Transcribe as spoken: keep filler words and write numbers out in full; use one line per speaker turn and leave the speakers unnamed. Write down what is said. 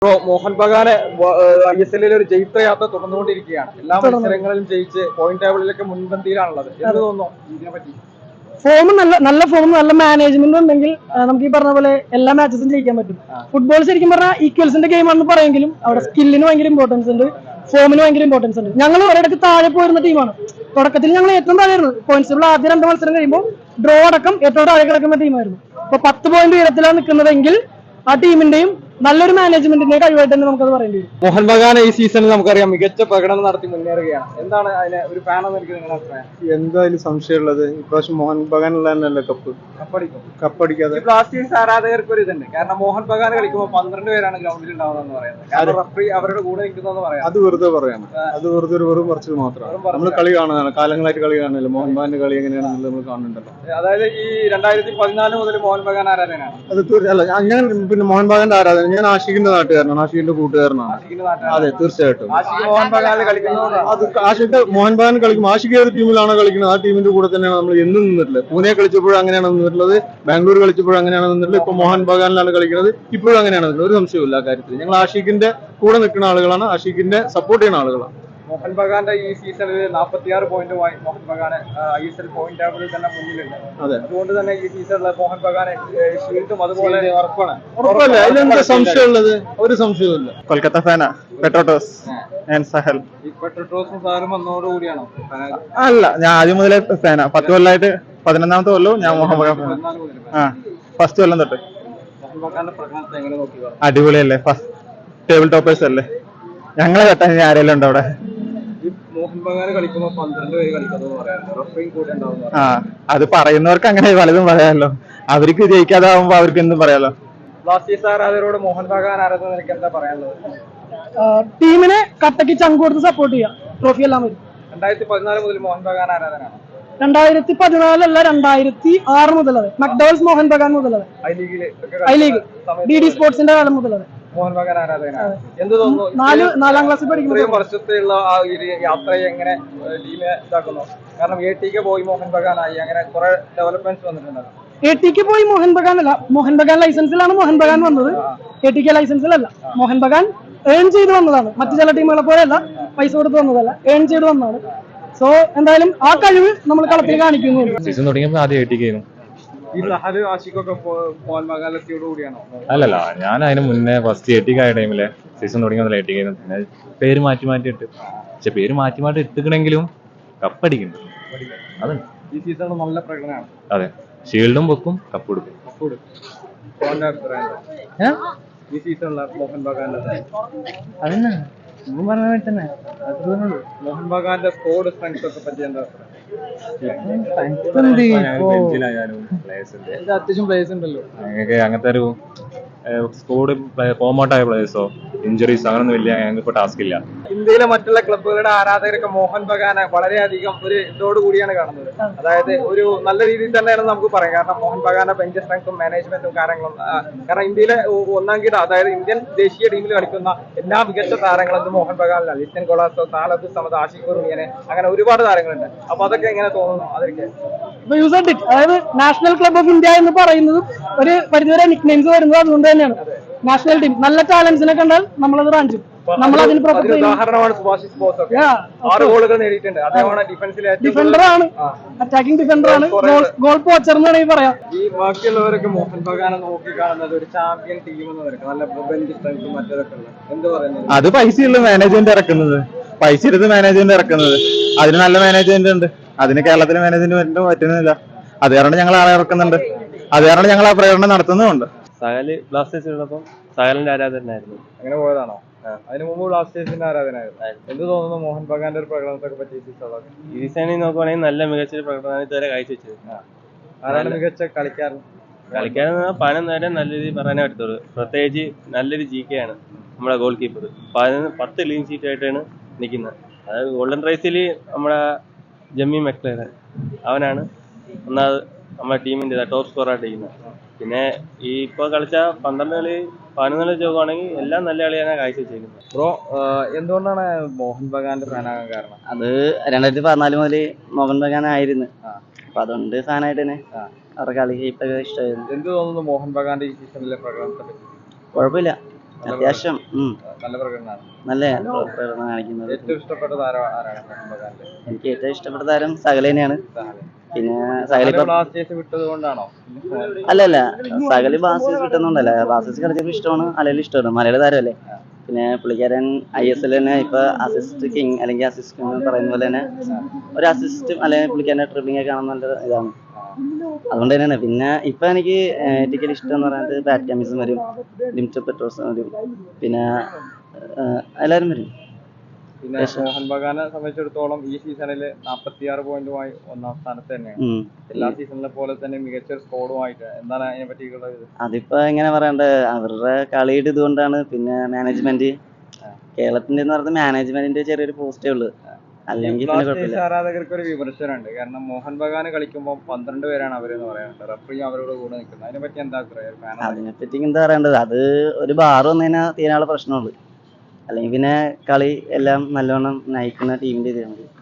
Bro, Mohan ബഗാന് I S എല്ലിൽ ഒരു ജയിത്രയാത്ര തുടർന്നുകൊണ്ടിരിക്കുകയാണ്. എല്ലാ മത്സരങ്ങളിലും ജയിച്ച് പോയിന്റ് ടേബിളിലൊക്കെ മുൻപന്തിയിലാണുള്ളത്. എന്ത് തോന്നുന്നു ഇതിനെ പറ്റി?
ഫോം നല്ല നല്ല ഫോം നല്ല മാനേജ്മെന്റ് ഉണ്ടെങ്കിൽ നമുക്ക് ഈ പറഞ്ഞ പോലെ എല്ലാ മാച്ചസും ജയിക്കാൻ പറ്റും. ഫുട്ബോൾ ശരിക്കും പറഞ്ഞാൽ ഈക്വൽസിന്റെ ഗെയിം ആണെന്ന് പറയുമെങ്കിലും അവിടെ സ്കില്ലിന് ഭയങ്കര ഇമ്പോർട്ടൻസ് ഉണ്ട്, ഫോമിന് ഭയങ്കര ഇമ്പോർട്ടൻസ് ഉണ്ട്. ഞങ്ങൾ ഒരിടക്ക് താഴെ പോയിരുന്ന ടീമാണ്. തുടക്കത്തിൽ ഞങ്ങൾ ഏറ്റവും താഴെയായിരുന്നു. പോയിന്റ്സ് ആദ്യ രണ്ട് മത്സരം കഴിയുമ്പോൾ ഡ്രോ അടക്കം ഏറ്റവും താഴെ കിടക്കുന്ന ടീമായിരുന്നു. അപ്പൊ പത്ത് പോയിന്റ് ഉയരത്തിലാണ് നിൽക്കുന്നതെങ്കിൽ ആ ടീമിന്റെയും നല്ലൊരു മാനേജ്മെന്റിന്റെ കഴിവായിട്ട് തന്നെ നമുക്കത് പറയേണ്ടി വരും.
മോഹൻ ബഗാൻ ഈ സീസണിൽ നമുക്കറിയാം മികച്ച പ്രകടനം നടത്തി മുന്നേറുകയാണ്. എന്താണ് അതിന് ഒരു ഫാൻ എന്ന് എനിക്ക് നിങ്ങളുടെ അഭിപ്രായം?
എന്തായാലും സംശയമുള്ളത് ഇപ്രാവശ്യം മോഹൻ ബഗാനുള്ള തന്നെയല്ലേ കപ്പ്
കപ്പടിക്കും.
കപ്പടിക്കാതെ
ബ്ലാസ്റ്റേഴ്സ് ആരാധകർക്ക് ഒരു ഇതുണ്ട്. കാരണം മോഹൻ ബഗാൻ കളിക്കുമ്പോൾ പന്ത്രണ്ട് പേരാണ് ഗ്രൗണ്ടിൽ ഉണ്ടാവുന്നതെന്ന് പറയുന്നത്. കാരണം റഫറി അവരുടെ കൂടെ നിൽക്കുന്നതെന്ന് പറയാം.
അത് വെറുതെ പറയാണ്. അത് വെറുതെ ഒരു വെറും പറച്ചിൽ മാത്രമാണ്. നമ്മൾ കളി കാണുന്നതാണ്, കാലങ്ങളായിട്ട് കളി കാണുന്നില്ല. മോഹൻ ബഗാന്റെ കളി എങ്ങനെയാണെന്നുള്ളത് നമ്മൾ കാണുന്നുണ്ടല്ലോ.
അതായത് ഈ രണ്ടായിരത്തി പതിനാല് മുതൽ മോഹൻ ബഗാൻ ആരാധകനാണ്.
അത് അല്ല, ഞാൻ പിന്നെ മോഹൻ ബഗാന്റെ ആരാധന. ഞാൻ ആഷിഖിന്റെ നാട്ടുകാരനാണ്, ആഷിഖിന്റെ കൂട്ടുകാരനാണ്. അതെ, തീർച്ചയായിട്ടും.
മോഹൻ ബഗാനിൽ കളിക്കുന്നതുകൊണ്ടാണ്
അത് ആഷിഖ് മോഹൻ ബഗാൻ കളിക്കും. ആഷിഖ് ഏത് ടീമിലാണോ കളിക്കുന്നത് ആ ടീമിന്റെ കൂടെ തന്നെയാണ് നമ്മൾ എന്നും നിന്നിട്ടുള്ളത്. പൂനെ കളിച്ചപ്പോഴും അങ്ങനെയാണ് നിന്നിട്ടുള്ളത്, ബാംഗ്ലൂർ കളിച്ചപ്പോഴും അങ്ങനെയാണ് നിന്നിട്ടുള്ളത്. ഇപ്പൊ മോഹൻ ബഗാനിലാണ് കളിക്കുന്നത്, ഇപ്പോഴും അങ്ങനെയാണ് നിന്നിട്ടുള്ളത്. ഒരു സംശയമില്ല ആ കാര്യത്തിൽ. ഞങ്ങൾ ആഷിഖിന്റെ കൂടെ നിൽക്കുന്ന ആളുകളാണ്, ആഷിഖിന്റെ സപ്പോർട്ട് ചെയ്യുന്ന ആളുകളാണ്.
മോഹൻ ബഗാന്റെ ഈ സീസണിൽ നാൽപ്പത്തിയാറ് പോയിന്റുമായി Mohan Bagan I S L point ടേബിളിൽ തന്നെ മുന്നിലുണ്ട്.
അതെ,
അതുകൊണ്ട് തന്നെ ഈ സീസണിൽ മോഹൻ ബഗാനെ ഷീൽഡും അതുപോലെ ഉറപ്പാണ്.
ഉറപ്പല്ല, അതിലെന്താ സംശയമുള്ളത്? ഒരു സംശയവുമില്ല. കൊൽക്കത്ത ഫാനാ, പെട്രോട്ടോസ് ആൻഡ് സഹൽ.
ഈ പെട്രോട്ടോസും സാറും വന്നതോടുകൂടിയാണോ?
അല്ല, ഞാൻ ആദ്യം മുതലേ ഫാനാ. പത്ത് കൊല്ലമായിട്ട് പതിനൊന്നാമത്തെ കൊല്ലവും ഞാൻ മോഹൻ ബഗാൻ ഫാനാ. ആ, ഫസ്റ്റ് കൊല്ലം തൊട്ട്.
മോഹൻ ബഗാന്റെ പ്രകടനത്തെ എങ്ങനെ നോക്കി?
അടിപൊളിയല്ലേ, ഫസ്റ്റ് ടേബിൾ ടോപ്പേഴ്സ് അല്ലേ. ഞങ്ങളെ കെട്ടാൻ ആരെല്ലാം ഉണ്ട് അവിടെ?
മോഹൻ ബഗാൻ കളിക്കുമ്പോൾ പന്ത്രണ്ട് പേര് കളിക്കുന്നത് പറയാറുണ്ട്, റഫറിയും കൂടെ ഉണ്ടാവുന്ന.
ആ, അത് പറയുന്നവർക്ക് അങ്ങനെ പലതും പറയാമല്ലോ. അവർക്ക് ജയിക്കാതാവുമ്പോ അവർക്ക് എന്തും പറയാലോ.
ബ്ലാസ്റ്റേഴ്സ് ആരാധകരോട് മോഹൻ ബഗാൻ ആരാധകർ എനിക്ക് എന്താ പറയാനുള്ളത്?
ടീമിനെ കട്ടക്ക് ചങ്ക് കൊടുത്ത് സപ്പോർട്ട് ചെയ്യാം, ട്രോഫി എല്ലാം വരും.
രണ്ടായിരത്തി പതിനാല് മുതൽ മോഹൻ ബഗാൻ ആരാധകനാണ്.
രണ്ടായിരത്തി പതിനാലല്ല, രണ്ടായിരത്തി ആറ് മുതലത്. മക്ഡോൾസ് മോഹൻ ബഗാൻ മുതലത്.
ഐ ലീഗില്
ഐ ലീഗ് ഡി ഡി സ്പോർട്സിന്റെ കാലം മുതലത്
മോഹൻ ബഗാൻ ആരാധകനാണ്. എന്ത് തോന്നുന്നു?
നാല് നാലാം ക്ലാസ്സിൽ പഠിക്കുന്ന
വർഷത്തിലുള്ള ആ ഒരു യാത്രയെ എങ്ങനെ ടീമിനെ ഇതാക്കുന്നു? കാരണം എ ടിക്ക് പോയി മോഹൻ ബഗാനായി, അങ്ങനെ കുറെ ഡെവലപ്മെന്റ്സ് വന്നിട്ടുണ്ട്.
എ ടിക്ക് പോയി മോഹൻ ബഗാൻ അല്ല, മോഹൻ ബഗാൻ ലൈസൻസിലാണ് മോഹൻ ബഗാൻ വന്നത്. എ ടിക്ക് ലൈസൻസിലല്ല. മോഹൻ ബഗാൻ ഏൺ ചെയ്ത് വന്നതാണ്. മറ്റു ചില ടീമുകളെ പോലെയല്ല, പൈസ കൊടുത്ത് വന്നതല്ല, ഏൺ ചെയ്ത് വന്നതാണ്. സോ എന്തായാലും ആ കഴിവ് നമ്മൾ കളത്തിൽ കാണിക്കുന്നു.
സീസൺ തുടങ്ങിയപ്പോൾ ആദ്യം എ ടിക്ക് ആയിരുന്നു.
ഈ സഹല് ആഷിഖൊക്കെ മോഹൻ ബഗാൻ എത്തിയോട് കൂടിയാണോ?
അല്ലല്ല, ഞാൻ അതിന് മുന്നേ ഫസ്റ്റ് എ ടിക്ക് ആയ ടൈമില് സീസൺ തുടങ്ങിയ എ ടിക്ക് ആയിരുന്നു. പിന്നെ പേര് മാറ്റി മാറ്റി ഇട്ട്, പക്ഷെ പേര് മാറ്റി മാറ്റി ഇട്ടിക്കണെങ്കിലും കപ്പടിക്കുന്നു. അത്
ഈ സീസണിൽ നല്ല പ്രകടനമാണ്.
അതെ, ഷീൽഡും വെക്കും, കപ്പ് കൊടുക്കും.
ഈ സീസണിലെ മോഹൻ ബഗാന്റെ
അതന്നെ പറഞ്ഞ തന്നെ
മോഹൻ ബഗാന്റെ സ്കോഡ് സ്ട്രെങ്ത് ഒക്കെ പറ്റി എന്താ? അത്യാവശ്യം പ്ലേയേഴ്സ് ഉണ്ടല്ലോ.
അങ്ങനത്തെ ഒരു സ്കോഡ് ഫോമൗട്ടായ പ്ലേയേഴ്സോ ഇഞ്ചുറീസ് അങ്ങനൊന്നും വലിയ ഞങ്ങൾക്ക് ഇപ്പൊ ടാസ്ക് ഇല്ല.
ഇന്ത്യയിലെ മറ്റുള്ള ക്ലബ്ബുകളുടെ ആരാധകരൊക്കെ മോഹൻ ബഗാനെ വളരെയധികം ഒരു ഇതോട് കൂടിയാണ് കാണുന്നത്. അതായത് ഒരു നല്ല രീതിയിൽ തന്നെയാണ് നമുക്ക് പറയാം. കാരണം മോഹൻ ബഗാന്റെ ബെഞ്ച് സ്ട്രെങ്ത്തും മാനേജ്മെന്റും കാര്യങ്ങളും. കാരണം ഇന്ത്യയിലെ ഒന്നാം കിട, അതായത് ഇന്ത്യൻ ദേശീയ ടീമിൽ കളിക്കുന്ന എല്ലാ മികച്ച താരങ്ങളും മോഹൻ ബഗാനിലാണ്. ലിസ്റ്റൻ കൊളാസോ, സാലബ് സമദ്, ആഷിഖ് കുറുമിയനെ, അങ്ങനെ ഒരുപാട് താരങ്ങളുണ്ട്. അപ്പൊ അതൊക്കെ എങ്ങനെ തോന്നുന്നു? അതൊക്കെ
അതായത് നാഷണൽ ക്ലബ് ഓഫ് ഇന്ത്യ എന്ന് പറയുന്നത് ഒരു പരിധിവരെ നിക്നെയിംസ് വരുന്നത് അതുകൊണ്ട് തന്നെയാണ്. നാഷണൽ ടീം നല്ല ടാലൻസിനെ കണ്ടാൽ നമ്മളത് റാഞ്ചും. നമ്മൾ അതിന്
ഉദാഹരണമാണ് സുഭാഷിഷ് ബോസ്. ആറ് ഗോളുകൾ നേടിയിട്ടുണ്ട്. അദ്ദേഹമാണ് ഡിഫൻസിലെ
ഡിഫൻഡറാണ്, അറ്റാക്കിംഗ് ഡിഫൻഡറാണ്, ഗോൾ പോച്ചർ എന്ന് വേണമെങ്കിൽ പറയാം.
ഈ ബാക്കിയുള്ളവരൊക്കെ മോഹൻ ബഗാനെ നോക്കി കാണുന്നത് ഒരു ചാമ്പ്യൻ ടീം എന്ന് പറയും, നല്ല ബെഞ്ച് സ്ട്രെങ്ത്തും മറ്റേതൊക്കെ ഉള്ളത്. എന്ത് പറയുന്നത്?
അത് പൈസയുള്ള മാനേജ്മെന്റ് ഇറക്കുന്നത്, പൈസ എടുത്ത് മാനേജ്മെന്റ് ഇറക്കുന്നത്. അതിന് നല്ല മാനേജ്മെന്റ് ഉണ്ട്. അതിന് കേരളത്തിലെ മാനേജ്മെന്റ് പറ്റുന്നില്ല. അത് കാരണം ഞങ്ങൾ ആളെ ഇറക്കുന്നുണ്ട്. അത് കാരണം ഞങ്ങൾ ആ പ്രകടനം നടത്തുന്നുമുണ്ട്.
സഹല് ബ്ലാസ്റ്റേഴ്സ് ഉള്ളപ്പോൾ സഹലിന്റെ ആരാധകനായിരുന്നു.
അങ്ങനെ പോയതാണോ? അതിന് മുമ്പ് ബ്ലാസ്റ്റേഴ്സിന്റെ ആരാധനായിരുന്നു. എന്ത് തോന്നുന്നു മോഹൻ ബഗാന്റെ ഒരു പ്രകടനത്തെ പറ്റി?
ഈ സീസണിൽ നോക്കുവാണെങ്കിൽ നല്ല മികച്ച പ്രകടനം ഇതുവരെ കാഴ്ചവെച്ചത്.
ആരാണ് മികച്ച കളിക്കാരൻ?
കളിക്കാരൻ പതിനൊന്ന് നേരെ നല്ല രീതിയിൽ പറയാനേ പറ്റത്തുള്ളൂ. പ്രത്യേകിച്ച് നല്ലൊരു ജി കെ ആണ് നമ്മുടെ ഗോൾ കീപ്പർ. പതിനൊന്ന് പത്ത് ക്ലീൻ ഷീറ്റ് ആയിട്ടാണ് നിൽക്കുന്നത്. അതായത് ഗോൾഡൻ റൈസിൽ നമ്മുടെ ജമ്മി മെക്ലേറൻ അവനാണ് ഒന്നാമത് നമ്മുടെ ടീമിൻ്റെ ടോപ്പ് സ്കോറായിട്ട് ഇരിക്കുന്നത്. പിന്നെ ഈ ഇപ്പോൾ കളിച്ച പന്ത്രണ്ട് കളി പതിനൊന്ന് കളി നോക്കുവാണെങ്കിൽ എല്ലാം നല്ല കളിയാണ് കാഴ്ചവെച്ചിരിക്കുന്നത്.
ബ്രോ, എന്തുകൊണ്ടാണ് മോഹൻ ബഗാന്റെ ഫാനാകാൻ കാരണം?
അത് രണ്ടായിരത്തി പതിനാല് മുതൽ മോഹൻ ബഗാൻ ആയിരുന്നു. അപ്പൊ അതുകൊണ്ട് ഫാനായിട്ട് തന്നെ അവരുടെ കളി ഇപ്പൊ ഇഷ്ടമായിരുന്നു.
എന്ത് തോന്നുന്നു മോഹൻ ബഗാന്റെ ഈ സീസണിലെ പ്രകടനത്തെ പറ്റി?
കുഴപ്പമില്ല, അത്യാവശ്യം ഉം,
നല്ല പ്രകടനമാണ്.
നല്ല പ്രകടനം കാണിക്കുന്നത്.
ഏറ്റവും ഇഷ്ടപ്പെട്ട താരം ആരാണ് മോഹൻ ബഗാനിലെ?
എനിക്ക് ഏറ്റവും ഇഷ്ടപ്പെട്ട താരം സകല തന്നെയാണ്.
സഹല്.
പിന്നെ സകല ഇപ്പൊ
ബ്ലാസ്റ്റേഴ്സ് വിട്ടത് കൊണ്ടാണോ?
അല്ല അല്ല സകല് ബാസിസ് കിട്ടുന്നുണ്ടല്ല, ബാസിസ് കളിച്ചപ്പോൾ ഇഷ്ടമാണ്, അല്ലെങ്കിൽ ഇഷ്ടമാണ്, മലയാള താരമല്ലേ. പിന്നെ പുള്ളിക്കാരൻ ഐ എസ് എൽ തന്നെ ഇപ്പൊ അസിസ്റ്റ് കിങ് അല്ലെങ്കിൽ അസിസ്റ്റ് കിങ് എന്ന് പറയുന്ന പോലെ തന്നെ ഒരു അസിസ്റ്റ് അല്ലെങ്കിൽ പുള്ളിക്കാരൻ്റെ ട്രിപ്പിംഗ് ഒക്കെ കാണാൻ നല്ല ഇതാണ്. അതുകൊണ്ട് തന്നെയാണ്. പിന്നെ ഇപ്പൊ എനിക്ക് ഏറ്റവും ഇഷ്ടം എന്ന് പറയുന്നത് ബാറ്റ് കമ്മീസും വരും, ലിമിറ്റഡ് പെട്രോസും വരും, പിന്നെ ഏഹ്, എല്ലാവരും വരും.
പിന്നെ മോഹൻ ബഗാനെ സംബന്ധിച്ചിടത്തോളം ഈ സീസണിൽ നാൽപ്പത്തിയാറ് പോയിന്റുമായി ഒന്നാം സ്ഥാനത്ത് തന്നെയാണ്.
ഉം.
എല്ലാ സീസണിലെ പോലെ തന്നെ മികച്ച ഒരു സ്കോഡുമായിട്ട് എന്താണ് അതിനെ പറ്റിയുള്ള ഇത്?
അതിപ്പോ എങ്ങനെ പറയണ്ടത്, അവരുടെ കളിയുടെ ഇതുകൊണ്ടാണ്. പിന്നെ മാനേജ്മെന്റ് കേരളത്തിന്റെ എന്ന് പറയുന്നത് മാനേജ്മെന്റിന്റെ ചെറിയൊരു പോസ്റ്റേ ഉള്ളു, അല്ലെങ്കിൽ പിന്നെ
ബ്ലാസ്റ്റേഴ്സ്
കുഴപ്പമില്ല.
ആരാധകർക്ക് ഒരു വിമർശനമുണ്ട്. കാരണം മോഹൻ ബഗാന് കളിക്കുമ്പോൾ പന്ത്രണ്ട് പേരാണ് അവരെന്ന് പറയാനുണ്ട്. റഫറിയും അവരോട് കൂടെ നിൽക്കുന്നത്. അതിനെ പറ്റി എന്താ അഭിപ്രായം? ഫാൻ
അതിനെപ്പറ്റി എന്താ പറയണ്ടത്, അത് ഒരു ബാർ വന്നതിനാ തീരാനുള്ള പ്രശ്നമുള്ളു. അല്ലെങ്കിൽ പിന്നെ കളി എല്ലാം നല്ലോണം നയിക്കുന്ന ടീമിന്റെ ഇതാണ്.